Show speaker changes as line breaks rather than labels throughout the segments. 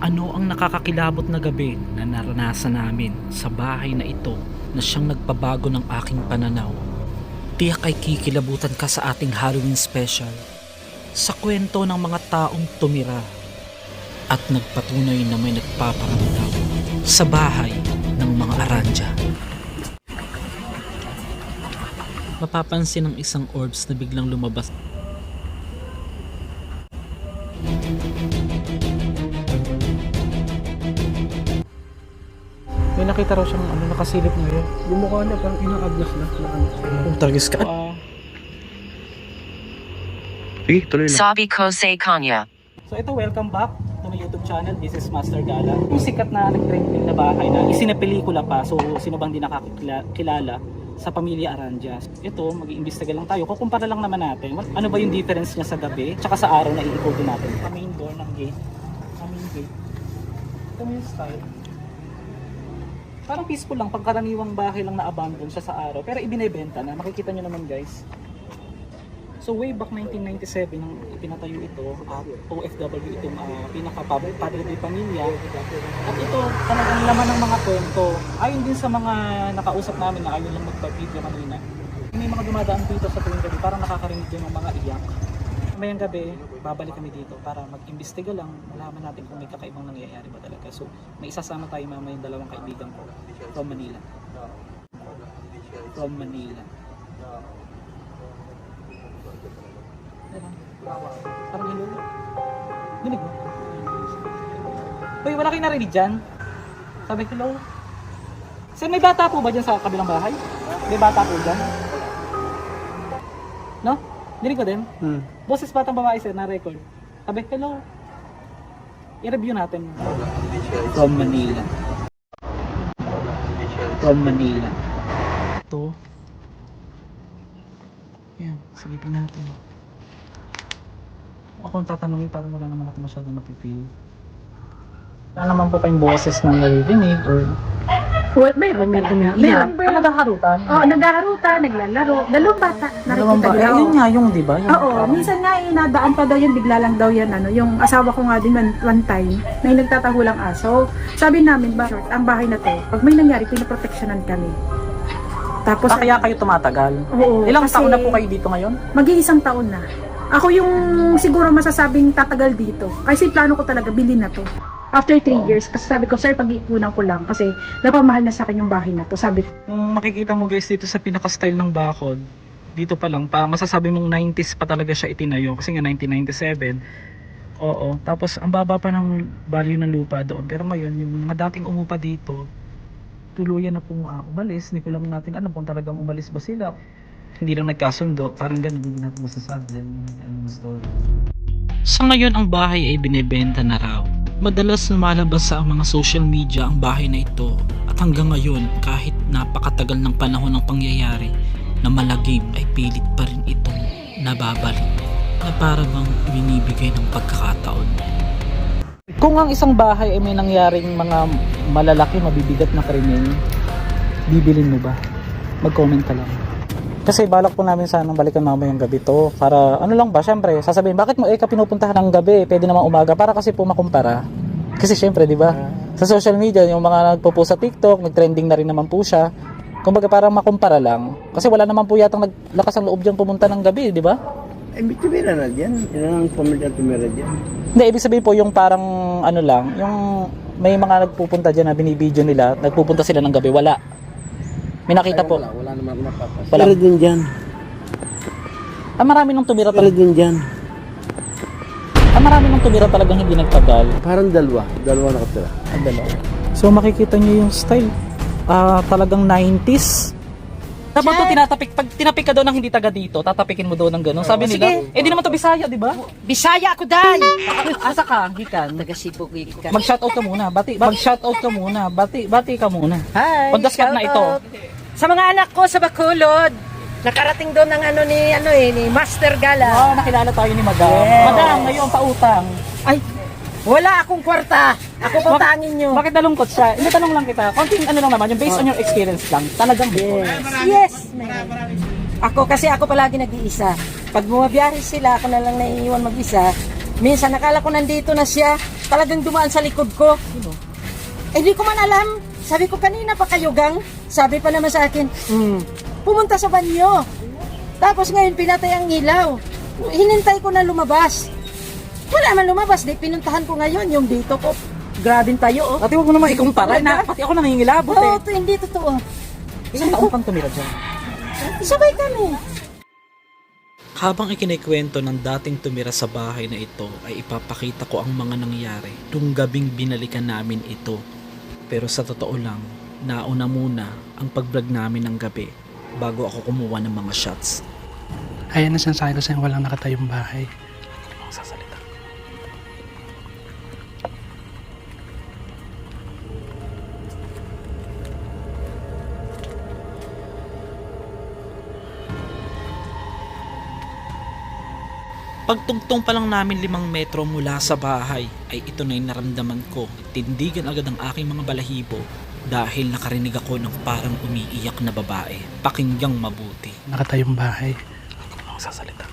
Ano ang nakakakilabot na gabi na naranasan namin sa bahay na ito na siyang nagpabago ng aking pananaw? Tiyak ay kikilabutan ka sa ating Halloween special sa kwento ng mga taong tumira at nagpatunay na may nagpaparamdam sa bahay ng mga Aranja. Mapapansin ang isang orbs na biglang lumabas. May nakita raw siyang nakasilip ngayon.
Yung mukha niya parang inaaglas na.
Kung targis ka.
Sige, tuloy na.
Sabi ko sa kanya.
So ito, welcome back to my YouTube channel. This is Master Gala. Yung sikat na nag-trending na bahay na isinapelikula pa. So sino bang di nakakilala sa pamilya Aranja. Ito, mag-iimbestiga lang tayo. Kukumpara lang naman natin. Ano ba yung difference niya sa gabi tsaka sa araw na iikotin natin. Sa main door ng gate. Sa main gate. Ito yung style. Parang peaceful lang, pagkaraniwang bahay lang na-abandon siya sa araw, pero ibinebenta na, makikita nyo naman guys. So way back 1997 nang ipinatayo ito, at OFW itong pinaka-padre pamilya. At ito talagang laman ng mga kwento. Ayon din sa mga nakausap namin na ayaw lang magpa-video kanina. May mga dumadaan dito sa tuwing gabi, parang nakakarinig din ng mga iyak. Mayang gabi, babalik kami dito para mag-imbestiga lang, malaman natin kung may kakaibang nangyayari ba talaga. So, may isasama tayo mamaya yung dalawang kaibigan ko from Manila. From Manila. Parang hello. Dinig mo? Uy, wala kayo narinig dyan? Sabi, hello. Sir, may bata po ba dyan sa kabilang bahay? May bata po dyan? No? Dinig ko din? Boses batang babae sir, na-record. Sabi, hello. I-review natin. From Manila. From Manila. Ito. Yan, sagipin natin. Ako kung tatanungin, parang wala naman ako masyadong napipili. Wala naman po kayong boses na naririnig or...
Well, meron nga. Meron.
Ano naghaharutan?
Oo, naghaharutan, naglalaro. Dalawang bata,
Dalawang
nakikita
ba?
nila.
Ayun nga yung, di ba? Yung,
Oo, minsan nga nadaan pa daw yan, bigla lang daw yan, yung asawa ko nga din one time, may nagtatahulang aso. Sabi namin, ba, ang bahay na to, pag may nangyari, pinaproteksyonan kami. Tapos,
kaya kayo tumatagal?
Oo,
Ilang
kasi
taon na po kayo dito ngayon?
mag-iisang taon na. Ako yung siguro masasabing tatagal dito. Kasi plano ko talaga, bilhin na to. After 3 years, kasi sabi ko, sir, pag-iipunan ko lang kasi napamahal na sa akin yung bahay na to. Sabi ko,
Kung makikita mo guys dito sa pinaka-style ng bakod, dito pa lang, masasabi mong 90s pa talaga siya itinayo kasi nga 1997. Oo, tapos ang baba pa ng value ng lupa doon. Pero ngayon, yung mga dating umupa dito, tuluyan na pong umalis. Hindi ko lang natin alam kung talagang umalis ba sila. Hindi lang nagkasundo, parang ganun, hindi natin masasabi ang story. Sa ngayon, ang bahay ay binebenta na raw. Madalas lumalabas sa mga social media ang bahay na ito at hanggang ngayon kahit napakatagal ng panahon ng pangyayari na malagim ay pilit pa rin itong nababalik na para bang binibigay ng pagkakataon. Kung ang isang bahay ay may nangyaring mga malalaki, mabibigat na krimen, bibilin mo ba? Mag-comment ka lang. Kasi balak po namin sanang balikan mamayang gabi to para ano lang ba, syempre sasabihin bakit mo ka pinupuntahan ng gabi, pwede naman umaga para kasi po makumpara. Kasi syempre di ba sa social media yung mga nagpo-post sa TikTok, nag-trending na rin naman po siya. Kumbaga parang makumpara lang. Kasi wala naman po yatang naglakas ang loob diyan pumunta ng gabi, di ba?
Ibig tumira na dyan. Yan ang pamilya tumira dyan.
Hindi, ibig sabihin po yung parang ano lang, yung may mga nagpupunta diyan na binibideo nila, nagpupunta sila ng gabi, wala. May nakita po.
Wala naman ako napapas.
Wala.
Pero din dyan.
Marami nang tumira
Pero
talaga.
din dyan.
Marami nang tumira talagang hindi nagtagal.
Parang dalawa. Dalawa nakatira.
Ang dalawa. So makikita niyo yung style. Talagang 90s. Dapat to tinatapik, pag tinapik ka daw ng hindi taga dito, tatapikin mo daw ng gano'n. Sabi nila, di naman to Bisaya, di ba?
Bisaya ako day!
Asa ka, gikan.
Taga Cebu ka.
Mag-shoutout ka muna, mag-shoutout ka muna, bati ka muna.
Hi!
Pagdaskat na ito.
shoutout. Sa mga anak ko sa Bacolod, nakarating doon ng ni Master Gala.
Nakilala tayo ni Madam.
Yes.
Madam, ngayon pautang.
Ay, wala akong kwarta. Ako putangin nyo.
Bakit nalungkot siya? Hindi, tanong lang kita. Konting ano lang naman, yung based on your experience lang. Talagang
Yes, man. Ako kasi ako palagi nag-iisa. Pag bumabiyahe sila, ako na lang naiiwan mag-isa. Minsan nakala ko nandito na siya. talagang dumaan sa likod ko. Eh, di ko man alam. Sabi ko kanina pa kayo, gang. Sabi pa naman sa akin, pumunta sa banyo. Tapos ngayon pinatay ang ilaw. Hinintay ko na lumabas. Wala man lumabas. Di pinuntahan ko ngayon yung dito ko. Grabing tayo, oh.
Ate, huwag mo naman ikumpara na. Pati ako nangingilabot
Oo,
eh.
hindi totoo.
Ilang taon kang tumira dyan?
Sabay kami.
Habang ikinikwento ng dating tumira sa bahay na ito ay ipapakita ko ang mga nangyari nung gabing binalikan namin ito. Pero sa totoo lang, nauna muna ang pag-vlog namin ng gabi bago ako kumuha ng mga shots.
Ayan na sinasabi ko sa'yo, walang nakatayong bahay.
Sasalita. Pagtungtong pa lang namin 5 metro mula sa bahay ay ito na yung naramdaman ko. Tindigan agad ang aking mga balahibo dahil nakarinig ako ng parang umiiyak na babae. Pakingyang mabuti.
Nakatayong bahay.
Sasalita.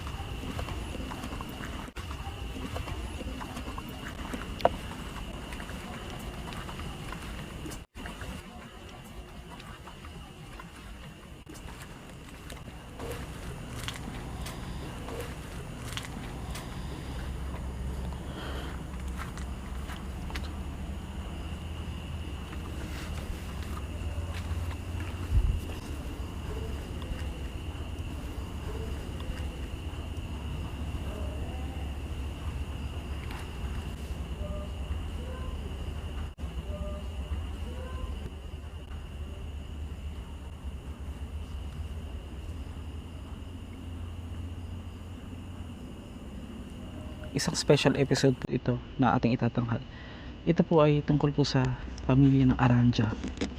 Isang special episode po ito na ating itatanghal. Ito po ay tungkol po sa pamilya ng Aranja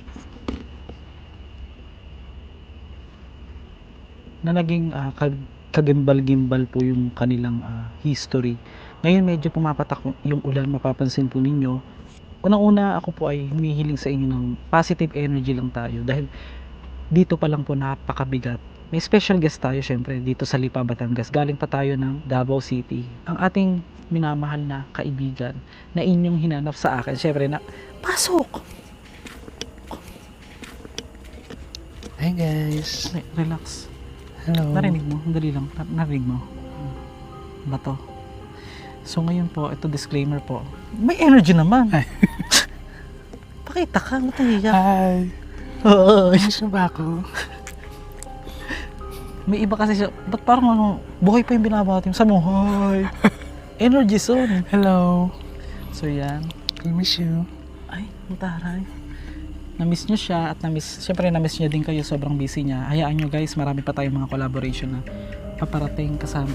na naging kagimbal-gimbal po yung kanilang history. Ngayon medyo pumapatak yung ulan, mapapansin po ninyo. Unang-una ako po ay humihiling sa inyo ng positive energy lang tayo dahil dito pa lang po napakabigat. May special guest tayo syempre dito sa Lipa, Batangas. Galing pa tayo ng Davao City. Ang ating minamahal na kaibigan na inyong hinanap sa akin. Syempre na, pasok!
Hi guys.
Relax.
Hello.
Narinig mo? Dali lang. Narinig mo? Ba to? So ngayon po, ito disclaimer po. May energy naman.
Ay.
Pakita ka, matahiya.
Hi.
Oo.
Ayos na ba ako?
May iba kasi siya, ba't parang ano, buhay pa yung binabati mo? Sa mo, hi. Energy zone.
Hello.
So yan.
I miss you.
Ay, mutaray. Na-miss nyo siya at syempre na-miss niya din kayo, sobrang busy niya. Hayaan nyo guys, marami pa tayong mga collaboration na paparating kasama.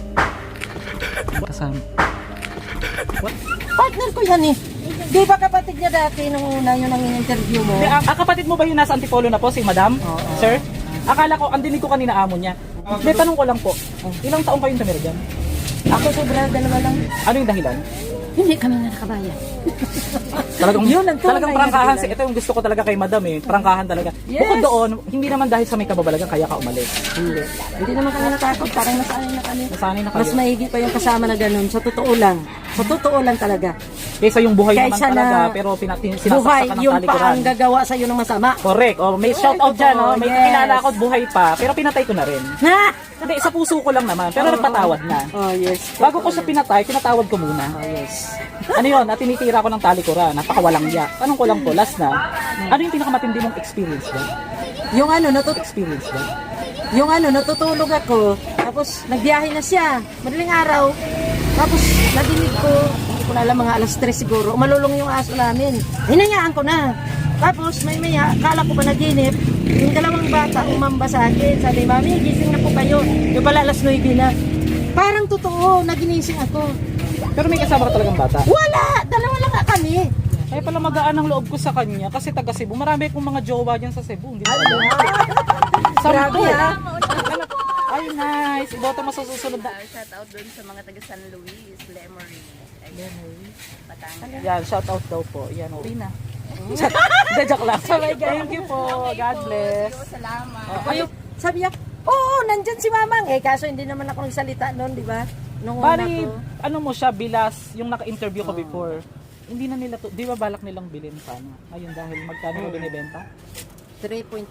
Partner ko yan eh. Di ba kapatid niya dati nung una yun ang in-interview mo?
Ang kapatid mo ba yung nasa Antipolo na po, si Madam?
Oo.
Sir? Akala ko, ang dinig ko kanina amo niya. May tanong ko lang po, ilang taong kayong tumira dyan?
Ako sobra, dalawa lang.
Ano yung dahilan?
Hindi kami na nakabayan.
Talagang,
Yun ang tunay
talagang
na
prangkahan.
dahilan.
Ito yung gusto ko talaga kay Madam eh. Prangkahan talaga.
Yes.
Bukod doon, hindi naman dahil sa may kababalagan kaya ka umalis.
Hindi. Hindi naman kami natakot. Parang nasanay na kami.
Nasanay na kayo.
Mas maigi pa yung kasama na ganun. Sa totoo lang. Sa totoo lang talaga.
Kaysa yung buhay naman
Kaysa
talaga,
na
pero
Buhay,
sinasaksakan ng
yung pa
talikuran.
ang gagawa sa'yo ng masama.
Correct. Oh, may shout out dyan. Oh. May
Yes.
kilala ako at buhay pa, pero pinatay ko na rin.
Ha?
Hindi, sa puso ko lang naman, pero nagpatawad na.
Oh, yes.
Bago ko siya pinatay, pinatawad ko muna.
Oh, yes.
Ano yun? At tinitira ko ng talikuran. Napakawalang yak. Tanong ko lang po, last na. Ano yung pinakamatindi mong experience ba?
Yung ano,
Experience ba?
natutulog ako. Tapos, nagbiyahe na siya. Madaling araw. Tapos, nadinig ko, hindi ko na alam, mga alas 3 siguro. Umalulong yung aso namin. Hinayaan ko na. Tapos, maya, kala ko pa naginip. Yung dalawang bata umamba sa akin. Sabi, Mami, gising na po kayo. Yung pala alas 9 na. Parang totoo, naginising ako.
Pero may kasama ka talagang bata.
Wala! Dalawa lang nga kami.
Kaya pala magaan ang loob ko sa kanya kasi taga Cebu. Marami akong mga jowa dyan sa Cebu. Hindi
Ano?
Sampo.
Grabe, ha?
Ay, nice. Iboto mo sa susunod na.
Shout out doon sa mga taga San Luis, Lemery, Batangas.
Yan, shout out daw po. Yan, uwi na. Hindi, joke lang. Thank you po. God bless.
Salamat.
Ayun, sabi niya, oo, nandyan si Mamang. Eh, kaso hindi naman ako nagsalita noon, di ba? Nung una
Bali,
ko.
ano mo siya, bilas, yung naka-interview ko before. Hindi na nila to, di ba balak nilang bilhin sana? Ngayon dahil magkano ba binibenta?
3.8.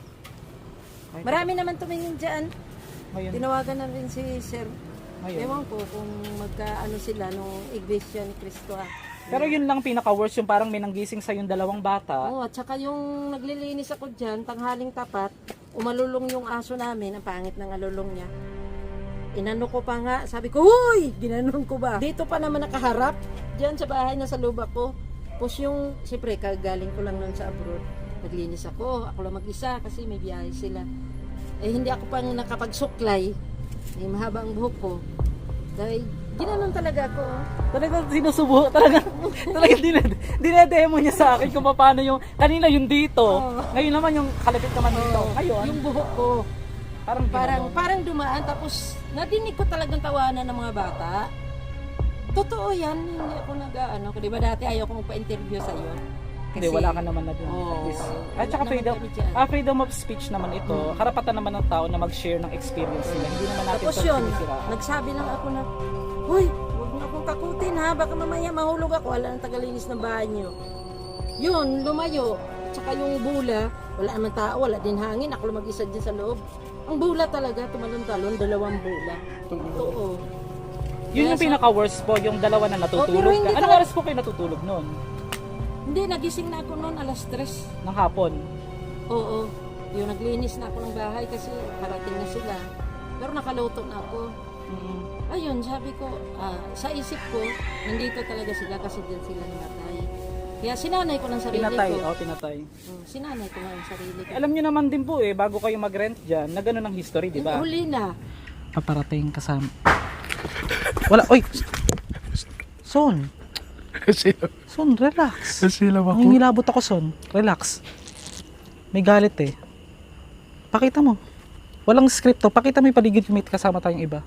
Ay,
Marami naman tumingin dyan.
Ngayon,
Tinawagan na rin si Sir.
ngayon.
Ewan ko kung magkaano sila nung Iglesia ni Cristo.
Pero yun lang pinaka-worst, yung parang may nanggising sa yung dalawang bata.
Oo, at saka yung naglilinis ako dyan, tanghaling tapat, umalulong yung aso namin, ang pangit ng alulong niya. Inano ko pa nga, sabi ko, huy! Ginanon ko ba? Dito pa naman nakaharap, dyan sa bahay na sa lubak ko. Tapos yung, siyempre, kagaling ko lang nun sa abroad. Naglinis ako lang mag-isa kasi may biyahe sila. Eh, hindi ako pang nakapagsuklay. Eh, mahaba ang buhok ko. Dahil, ginanon talaga ako.
Talagang sinusubo, talagang dinedemo niya sa akin kung paano yung, kanina yung dito, ngayon naman yung kalapit naman dito. Ngayon,
Yung buhok ko.
parang
Parang dumaan tapos nadinig ko talagang tawanan ng mga bata. Totoo yan, hindi ako nag-ano. Di ba dati ayaw kong pa-interview sa iyo?
hindi, wala ka naman na dun.
Oo.
At least. At saka
Wala
freedom,
naman kami dyan.
freedom of speech naman ito. Karapatan naman ng tao na mag-share ng experience nila. Hindi naman natin
Tapos
ito
yun,
sinisiraan.
nagsabi lang ako na, Hoy, huwag niyo akong kakutin ha, baka mamaya mahulog ako, wala nang tagalinis ng bahay niyo. Yun, lumayo. At saka yung bula, wala naman tao, wala din hangin, ako lang mag-isa dyan sa loob. Ang bula talaga, tumalon-talon, 2 bula. Oo.
Yun yung pinaka-worst po, yung dalawa na
pero
natutulog
hindi
ka. Anong
talaga-
oras po kayo natutulog noon?
Hindi, nagising na ako noon, alas 3.
Ng hapon?
Oo. Yung naglinis na ako ng bahay kasi parating na sila. Pero nakaluto na ako. Ayun, sabi ko, sa isip ko, nandito talaga sila kasi din sila namatay. Kaya sinanay ko ng sarili
Pinatay,
ko.
pinatay.
Sinanay ko ng sarili ko.
Alam nyo naman din po bago kayo mag-rent dyan, na gano'n ang history, di ba?
Huli na.
Paparating kasama. Wala, oy! Son! Son, relax.
Sila ako.
Nangingilabot ako, Son. Relax. May galit Pakita mo. Walang script to. Pakita mo yung paligid yung may kasama tayong iba.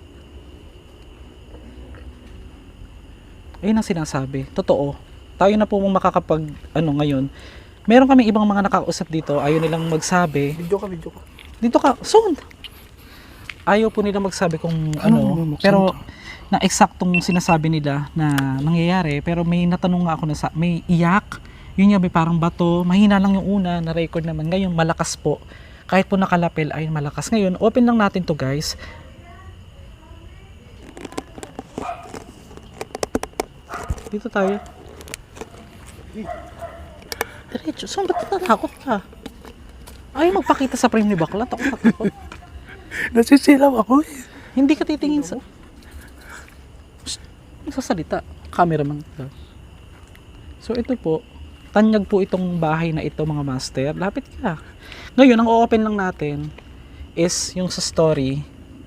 Ayun ang sinasabi. Totoo. Tayo na po makakapag, ngayon. Meron kami ibang mga nakakausap dito. Ayaw nilang magsabi.
Video ka.
Dito ka, Son! Ayaw po nila magsabi kung pero na eksaktong sinasabi nila na nangyayari, pero may natanong nga ako na may iyak, yun nga may parang bato, mahina lang yung una, na record naman, ngayon malakas po, kahit po nakalapel ay malakas. Ngayon, open lang natin to guys. Dito tayo. Diretso, saan ba't natakot ka? Ayaw magpakita sa frame ni Baklat, ako natakot.
Nasisilaw ako eh.
Hindi ka titingin sa... Sasalita. Cameraman ka. So ito po, tanyag po itong bahay na ito mga master. Lapit ka. Ngayon, ang o-open lang natin is yung sa story.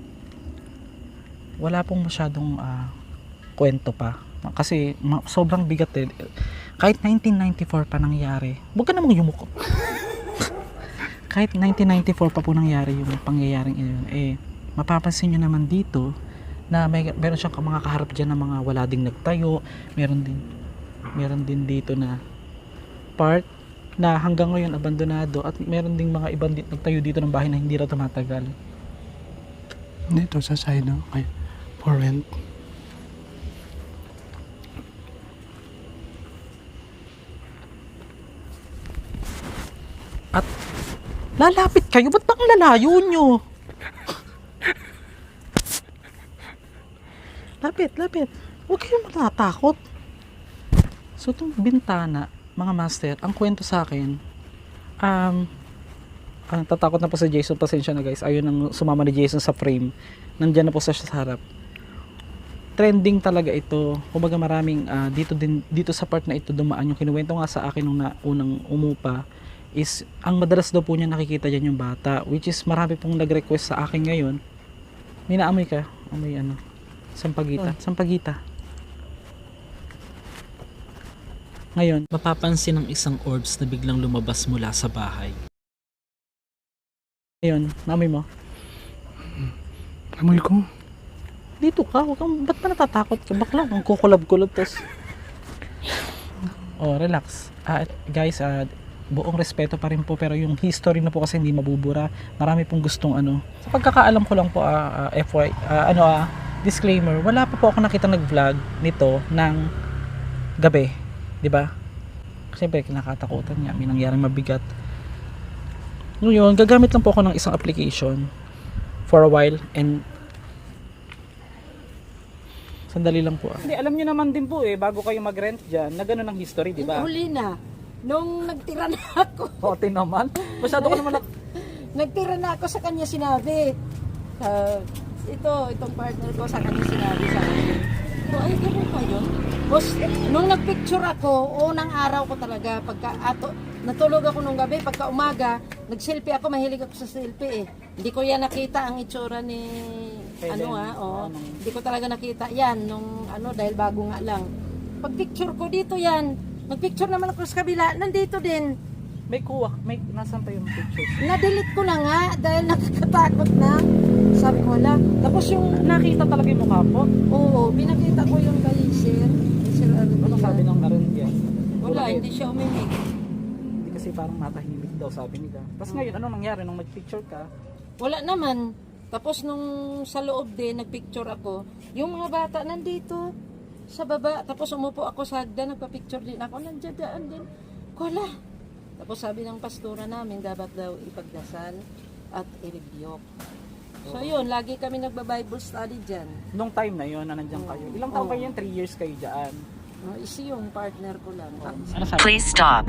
Wala pong masyadong kwento pa. Kasi sobrang bigat Kahit 1994 pa nangyari. Huwag ka namang yumuko. Kahit 1994 pa po nangyari yung pangyayaring yun, mapapansin nyo naman dito na meron siyang mga kaharap dyan na mga wala ding nagtayo, meron din dito na part na hanggang ngayon abandonado, at meron ding mga ibang nagtayo dito ng bahay na hindi raw tumatagal.
Dito sa side, no? Okay. For rent.
At lalapit kayo, ba't ba ang lalayo nyo? Lapit. Huwag kayong matatakot. So, itong bintana, mga master, ang kwento sa akin, tatakot na po sa Jason, pasensya na guys, ayun ang sumama ni Jason sa frame, nandyan na po sa harap. Trending talaga ito, kumbaga maraming, dito sa part na ito dumaan, yung kinuwento nga sa akin nung unang umupa, is, ang madalas daw po niya nakikita dyan yung bata, which is marami pong nag-request sa akin ngayon. May naamoy ka? Amoy Sampagita. Ngayon,
Mapapansin ng isang orbs na biglang lumabas mula sa bahay.
naamoy mo?
Amoy ko.
Dito ka, ba't ba natatakot ka? Bakla, ang kukulab-kulab tos. Relax. Guys, buong respeto pa rin po, pero yung history na po kasi hindi mabubura. Marami pong gustong Sa pagkakaalam ko lang po, disclaimer, wala pa po ako nakita nag-vlog nito ng gabi. 'Di ba? Siyempre kinakatakutan niya, may nangyaring mabigat. Ngayon, gagamit lang po ako ng isang application for a while and sandali lang po. Hindi, alam niyo naman din po bago kayo mag-rent diyan, na gano'n ang history, 'di ba?
Huli na. Nung nagtira na ako,
Hote naman. Masyado ko naman
nagtira na ako sa kanya sinabi. Itong partner ko sa kanya sinabi sa akin. Ay, gano'n pa yun? Boss, nung nagpicture ako, unang araw ko talaga, natulog ako nung gabi, pagka umaga, nag-selfie ako, mahilig ako sa selfie Hindi ko yan nakita ang itsura ni, hindi ko talaga nakita yan, dahil bago nga lang. Pag picture ko dito yan, nagpicture naman ako sa kabila, nandito din.
may nasan pa yung pictures?
Na-delete ko na nga, dahil nakakatakot na. Sabi ko, wala. Tapos yung
Nakita talaga yung mukha po.
Oo, pinakita ko yung kay Sir Arvin.
Ano sabi ng Arandia?
Wala, hindi siya umimik.
Hindi kasi parang matahimik daw sabi nila. Tapos ngayon, anong nangyari nung nag-picture ka?
Wala naman. Tapos nung sa loob din, nagpicture ako, yung mga bata nandito sa baba. Tapos umupo ako sa hagdan, nagpa-picture din ako, nandiyan din. Wala. Tapos sabi ng pastora namin, dapat daw ipagdasal at i-rebuke. So yun, lagi kami nagba-Bible study dyan.
Nung time na yun, na nandiyan kayo. Ilang taon kayo yan? 3 years kayo dyan.
Isi yung partner ko lang.
Ano sabi?
Please stop.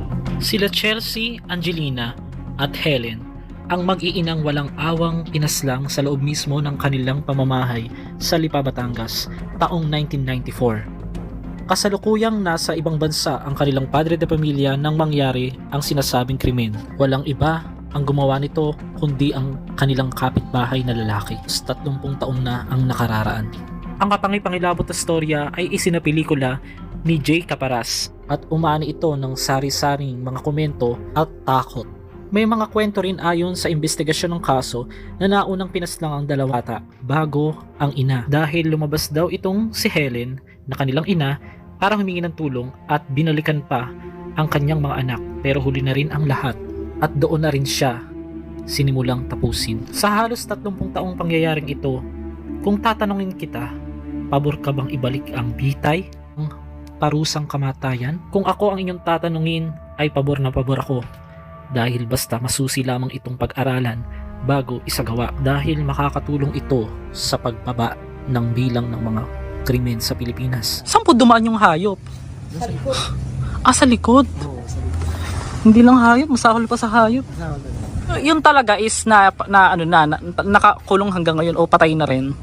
Sila Chelsea, Angelina at Helen ang mag-iinang walang awang pinaslang sa loob mismo ng kanilang pamamahay sa Lipa, Batangas taong 1994. Kasalukuyang nasa ibang bansa ang kanilang padre de pamilya nang mangyari ang sinasabing krimen. Walang iba ang gumawa nito kundi ang kanilang kapitbahay na lalaki. 30 taon na ang nakararaan. Ang kapangipangilabot na storya ay isinapelikula ni Jay Caparas at umani ito ng sari-saring mga komento at takot. May mga kwento rin ayon sa investigasyon ng kaso na naunang pinaslang ang dalawa bata bago ang ina dahil lumabas daw itong si Helen na kanilang ina para humingi ng tulong at binalikan pa ang kanyang mga anak pero huli na rin ang lahat at doon na rin siya sinimulang tapusin. Sa halos 30 taong pangyayaring ito, kung tatanungin kita, pabor ka bang ibalik ang bitay, ang parusang kamatayan? Kung ako ang inyong tatanungin ay pabor na pabor ako dahil basta masusi lamang itong pag-aralan bago isagawa dahil makakatulong ito sa pagbaba ng bilang ng mga krimen sa Pilipinas. Saan po dumaan yung hayop?
Sa likod.
Sa likod? Hindi lang hayop, masahol pa sa hayop. Yun talaga is nakakulong hanggang ngayon o patay na rin.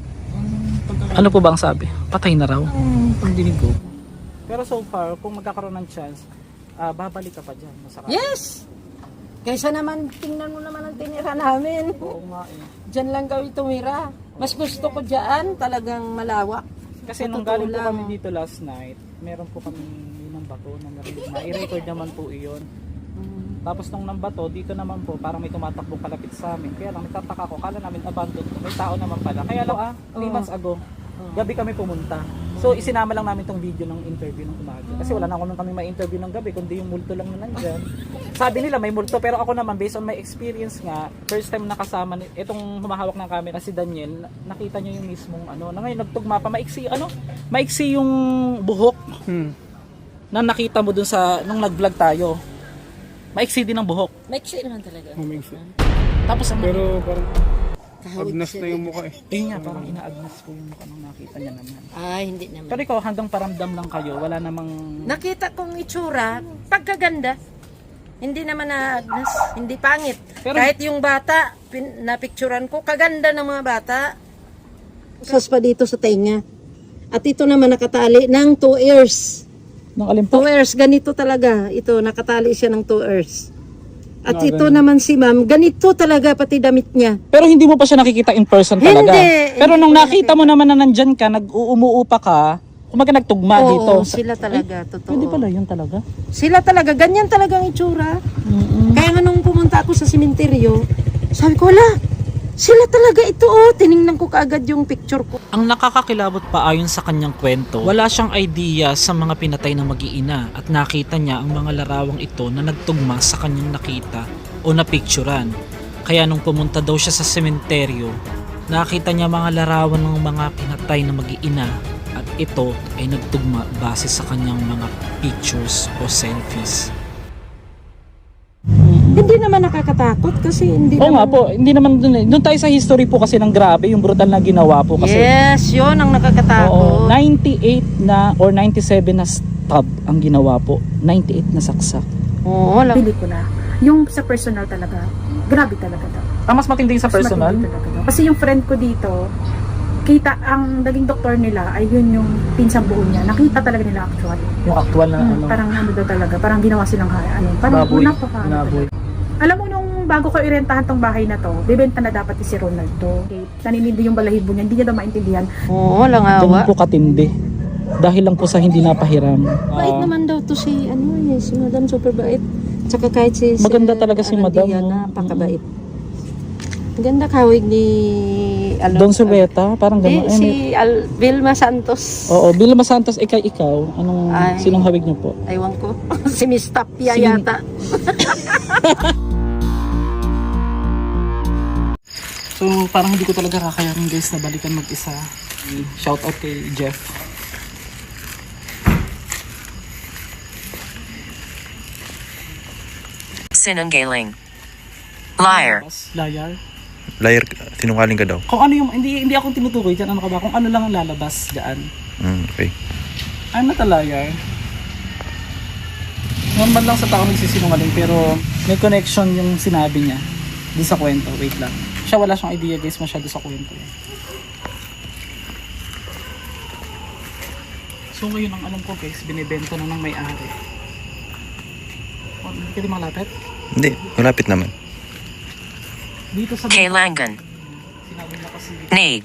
Ano po ba ang sabi? Patay na raw? Pagdinig ko. Pero so far, kung magkakaroon ng chance, babalik ka pa dyan.
Yes! Kaysa naman, tingnan mo naman ang tinira namin.
Oo nga
Diyan lang kami tumira. Mas gusto ko dyan, talagang malawak.
Kasi nung galing po kami dito last night, meron po kami ng bato na i-record naman po iyon. Tapos nung ng bato, dito naman po, parang may tumatakbong kalapit sa amin. Kaya lang, nagtataka ko, kala namin abandoned. May tao naman pala. Kaya lang, 3 months ago, gabi kami pumunta. So isinama lang namin tong video ng interview ng umaga. Kasi wala na kami ma-interview ng gabi, kundi yung multo lang na nandyan. Sabi nila may multo, pero ako naman based on my experience nga, first time nakasama itong humahawak ng camera si Daniel, nakita niyo yung mismong na ngayon nagtugma pa, maiksi yung buhok na nakita mo dun sa nung nag-vlog tayo. Maiksi din ang buhok.
Maiksi naman talaga.
Tapos
Pero parang
Kahawig
agnas
siya
na yung
din.
mukha
Ayun nga, parang inaagnas ko yung mukha nung nakita niya naman.
Ay, hindi naman.
Pero ikaw, hanggang paramdam lang kayo, wala namang...
Nakita kong itsura, pagkaganda. Hindi naman naagnas, hindi pangit.
Pero-
Kahit yung bata, napicturan ko, kaganda ng mga bata. Sas pa dito sa tenga. At ito naman nakatali ng 2 ears.
Nung alin po?
2 ears, ganito talaga. Ito, nakatali siya ng 2 ears. At ito naman si ma'am, ganito talaga pati damit niya.
Pero hindi mo pa siya nakikita in person talaga?
Hindi.
Pero
Hindi
nung
ko
nakita mo naman na nandyan ka, nag-uumuupa ka, kumaga nagtugma
Oo,
dito.
sila talaga, totoo.
Pwede pala yun talaga?
Sila talaga, ganyan talaga ang itsura. Kaya nga nung pumunta ako sa simenteryo, sabi ko, wala, sila talaga ito tiningnan ko kaagad yung picture ko.
Ang nakakakilabot pa ayon sa kanyang kwento, wala siyang idea sa mga pinatay na mag-iina at nakita niya ang mga larawang ito na nagtugma sa kanyang nakita o napicturan. Kaya nung pumunta daw siya sa sementeryo, nakita niya mga larawan ng mga pinatay na mag-iina at ito ay nagtugma base sa kanyang mga pictures o selfies.
Hindi naman nakakatakot kasi hindi
Oo
naman...
nga po, hindi naman doon tayo sa history po kasi ng grabe, yung brutal na ginawa po kasi.
Yes, yun ang
Oo,
nakakatakot.
98 na or 97 na stab ang ginawa po. 98 na saksak.
Oo,
Pelikula. Yung sa personal talaga, grabe talaga daw.
Mas matindi sa
Mas
personal.
matindi talaga daw. Kasi yung friend ko dito, kita ang naging doktor nila ay yun yung pinsang buo niya. Nakita talaga nila actually.
Yung actual na ano.
Parang ano daw talaga, parang ginawa silang parang
Baboy.
napaka. Alam mo nung bago ko irentahan tong bahay na to, bebenta na dapat si Ronaldo. Okay. Naninindi yung balahibo niya, hindi niya daw maintindihan.
Oo, walang
Ganun
awa.
po katindi. Dahil lang po sa hindi napahiram.
Bait naman daw to si, si Madam, super bait. Tsaka kahit si...
Maganda talaga si Madam,
Arandia,
no?
napakabait. Ganda kawig ni...
Don Silveta, parang gano'n.
si Vilma Santos.
Oo, Vilma Santos, ikaw. Sinong hawig niyo po?
Aywan ko. si Miss Tapia
Si-
yata.
So, parang hindi ko talaga kakayanin guys na balikan mag-isa. Shout out kay Jeff.
Sinungaling. Liar.
Liar.
Liar, sinungaling ka daw.
Kung ano yung, hindi ako tinutukoy dyan, ano ka ba? Kung ano lang ang lalabas dyan.
Okay.
I'm not a liar. Normal lang sa tao nagsisinungaling pero may connection yung sinabi niya doon sa kwento. Wait lang. Siya wala siyang idea guys masyado sa kwento. So ngayon ang alam ko guys, binibenta na ng may-ari. Hindi ka di malapit?
Hindi, malapit naman.
Dito sa
Kailangan.
sinabi niya kasi
Need.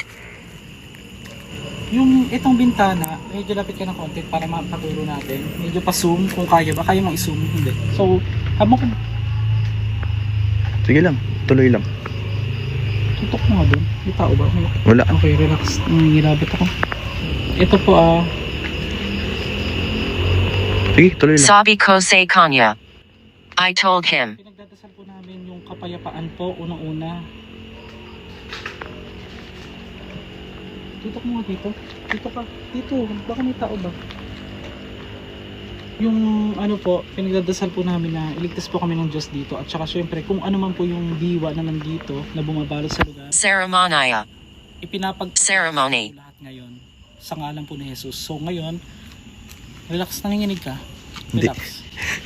yung itong bintana, medyo lapit ka ng konti para mapaturo natin. Medyo pa-zoom kung kaya ba. Kaya mang i-zoom, hindi. So, habang kung
Sige lang, tuloy lang.
tutok mo nga doon. May tao ba?
Wala.
Okay, relax. Nangingilabit ako. Ito po
Sige, tuloy lang.
Sabi ko sa kanya. I told him.
pinagdadasal po namin yung kapayapaan po unang-una. Tutok mo nga dito. Dito ka. Dito. Baka may tao ba? Yung ano po, pinagdadasal po namin na iligtas po kami ng Diyos dito. At saka syempre, kung ano man po yung diwa na nandito na bumabalot sa lugar,
Ceremonia.
po
Ceremony.
lahat ngayon sa ngalan po ni Jesus. So ngayon, relax, nanginginig ka.
Hindi.
Relax.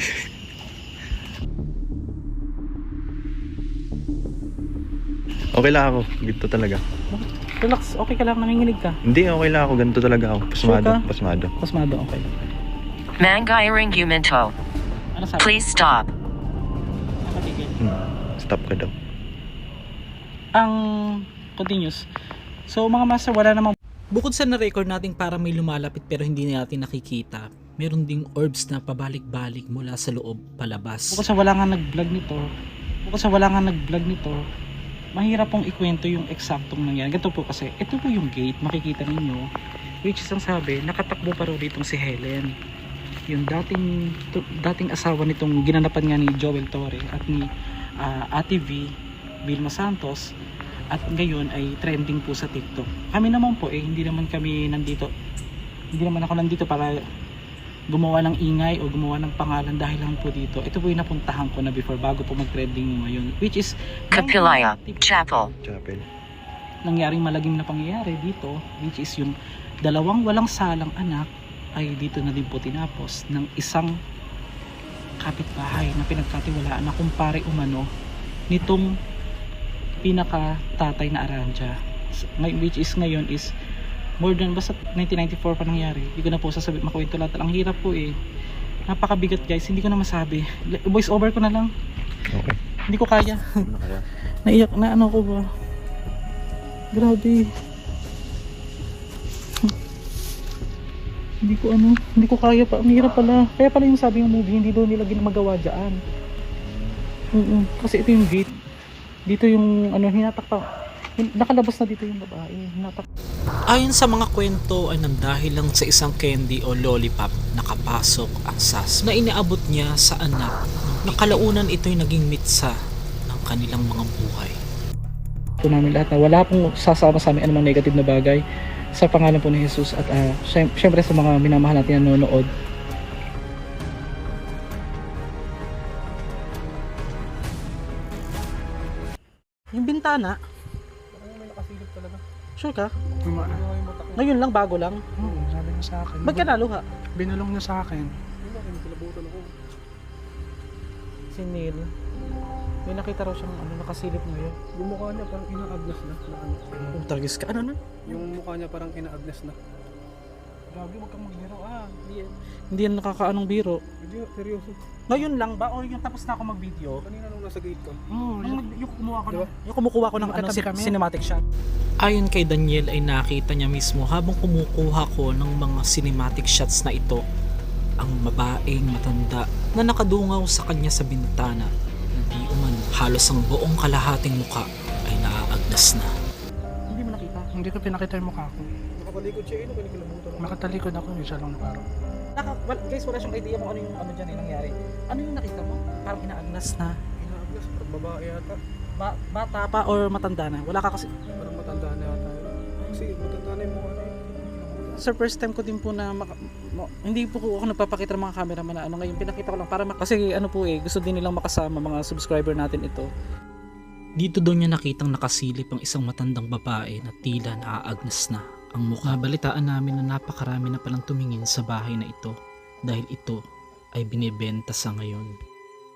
Okay lang ako, ganito talaga.
Relax, okay ka lang, nanginginig ka.
Hindi, okay lang ako, ganito talaga ako. Pasmado,
Sure ka?
pasmado.
Pasmado, okay.
Mangiring Umento.
Ano sabi?
Please stop.
Napatigil.
Stop ka daw.
Ang continuous. So mga master, wala namang
Bukod sa na-record natin para may lumalapit pero hindi natin nakikita, meron ding orbs na pabalik-balik mula sa loob palabas.
bukod sa wala nga nag-vlog nito, mahirap pong ikwento yung eksaktong nangyari. Ganito po kasi, ito po yung gate, makikita ninyo, which is ang sabi, nakatakbo pa rin ditong si Helen. Yung dating asawa nitong ginanapan nga ni Joel Torre at ni Ate V, Vilma Santos, at ngayon ay trending po sa TikTok. Kami naman po hindi naman ako nandito para gumawa ng ingay o gumawa ng pangalan dahil lang po dito. Ito po yung napuntahan ko na before bago po mag-trending yung ngayon, which is
Kapilaya. Chapel.
Chapel.
nangyaring malagim na pangyayari dito, which is yung dalawang walang salang anak ay dito na din po tinapos ng isang kapitbahay na pinagkatiwalaan na kumpare umano nitong pinaka tatay na Aranja, which is ngayon is more than, basta 1994 pa nangyari. Hindi ko na po makuwento lahat. Ang hirap po napakabigat guys, hindi ko na masabi. Voice over ko na lang,
Okay.
hindi ko kaya.
Ano kaya?
Naiyak na ano ko ba, grabe. Hindi ko kaya pa. Ang hirap pala. Kaya pala yung sabi ng movie, hindi daw nila ginamagawa dyan. Kasi ito yung gate. Dito yung hinatak pa. Nakalabas na dito yung babae. Hinatak.
Ayon sa mga kwento ay nandahil lang sa isang candy o lollipop nakapasok ang sas na inaabot niya sa anak. Nakalaunan ito'y naging mitsa ng kanilang mga buhay.
Ito namin lahat na wala pong sasama sa amin anumang negative na bagay. sa pangalan po ni Jesus at syempre sa mga minamahal natin na nanonood.
Yung bintana,
May nakasilip talaga.
sure ka?
Tuma.
Ngayon lang, bago lang.
Oo, sabi niya sa akin.
Ba't ka naluha?
Binulong niya sa akin.
Si Neil. May nakita raw siyang nakasilip ngayon.
Yung mukha niya parang ina-agnes na.
Oh, targis ka. Ano na?
Yung mukha niya parang ina-agnes na.
Grabe, wag kang magbiro
Hindi yan nakakaanong biro.
Hindi, seryoso.
Ngayon lang ba o yung tapos na ako mag-video?
Kanina nung nasa gate ka.
Oo, yung kumuha ko
Diba?
Yung kumukuha ko ng
Magkatabi kami.
cinematic shot. Ayon kay Daniel ay nakita niya mismo habang kumukuha ko ng mga cinematic shots na ito ang babaeng matanda na nakadungaw sa kanya sa bintana. Hindi umano halos ang buong kalahating muka ay naaagnas na.
Hindi mo nakita.
Hindi ko pinakita yung mukha ko.
Nakapalikod siya, kinikilabutan ako.
Nakatalikod ako, isa lang parang.
Guys, wala siyang idea kung ano yung dyan nangyari. Ano yung nakita mo? Parang inaagnas na.
Ina-agnes, parang babae yata.
Bata pa or matanda na? Wala ka kasi.
Parang matanda na yata. Kasi matanda na yung mukha na yun.
Sir, first time ko din po na hindi po ako nagpapakita ng mga cameraman na ngayon pinakita ko lang para kasi gusto din nilang makasama mga subscriber natin ito. Dito daw niya nakitang nakasilip ang isang matandang babae na tila naaagnas na ang mukha. Balitaan namin na napakarami na palang tumingin sa bahay na ito dahil ito ay binebenta sa ngayon.